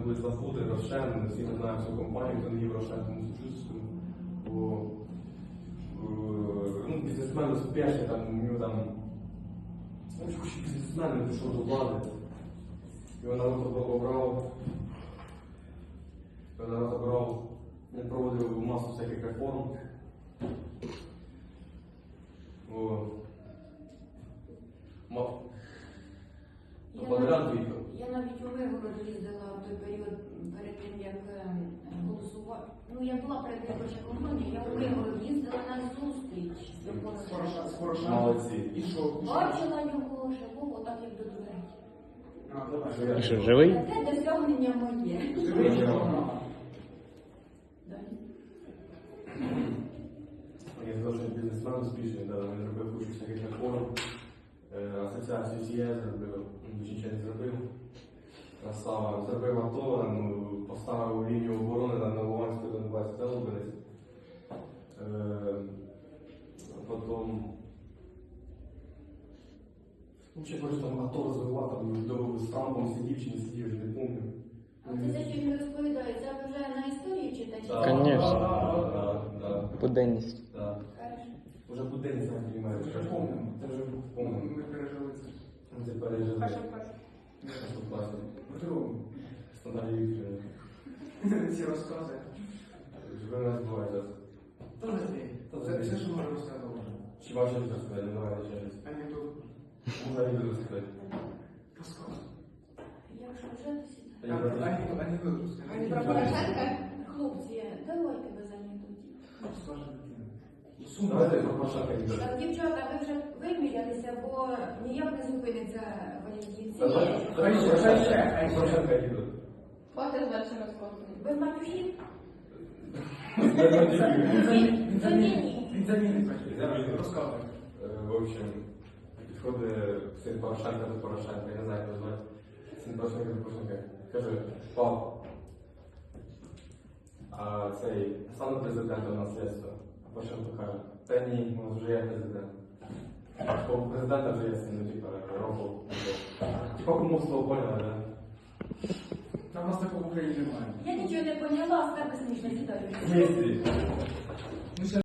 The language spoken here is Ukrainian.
були Славути, Рошен, всі ми знаємо цю компанію, хто не їв Рошен, тому сучувствую. Бо бізнесмен успішний, там, у нього там, бізнесмен не прийшов до влади. Його народ обрав, він проводив масу всяких реформ. Я навіть у Миргород їздила в той період перед тим, як голосувати. Ну, я була передвиборча компанія, я у Миргород їздила на зустріч до Порошенка. Молодці. І що? Бачила його живого, отак як до дверей. І що, живий? Це досягнення моє. Живий? Я сказав, що бізнесмен успішний, він зробив кучу всяких реформ, асоціацію СІЕ зробив, нічого не зробив. Красава. Зробив АТО, поставив лінію оборони на Новолуганську Донбасі, це Лубенець. Потім... Взагалі, може там АТО розвивав, там довго з Трампом сидів чи не сидів, вже не пам'ятаю. А це те, що він розповідає, це ви вже на історії читаєте? Конечно. Так. Буденність. Так. Кажеш? Уже будинок не розуміє. Це вже помнимо. Це вже помнимо. Ми пережили це. Ми це пережили. Перше. Першу класі. В другому. Стандарі Вікторівни. Ці розкази. Живе нас буває зараз. Тоже ти. Це що може розказувати? Чи ваші люди розказати? Не давайте ще раз. Анекдот. Можна люди розказати. Розказуй. Якщо вже досі. Анекдот розказуй. Про Порошенка? Хлопці, давайте без анекдотів. Розкажи дитину. Давайте про Порошенка йдемо. Так, дівчата, ви вже вимірялися, бо ніяк не зупиниться валідівці. Порошенка йдемо. Хватить далі розказувати. Без матюхів? Він замінить батьків. Розказуй. В общем, підходить син Порошенка до Порошенка, я не знаю, як його звати. Син Порошенка до Порошенка. Каже, папа, а цей стану президентом наслідство. А Порошенко каже, та ні, у нас вже є президент. У президента вже є син, типа, року. Типа кумовство поняли, да? Там у нас такого в Україні немає. Я нічого не поняла, скажи смішно сідаю. Є.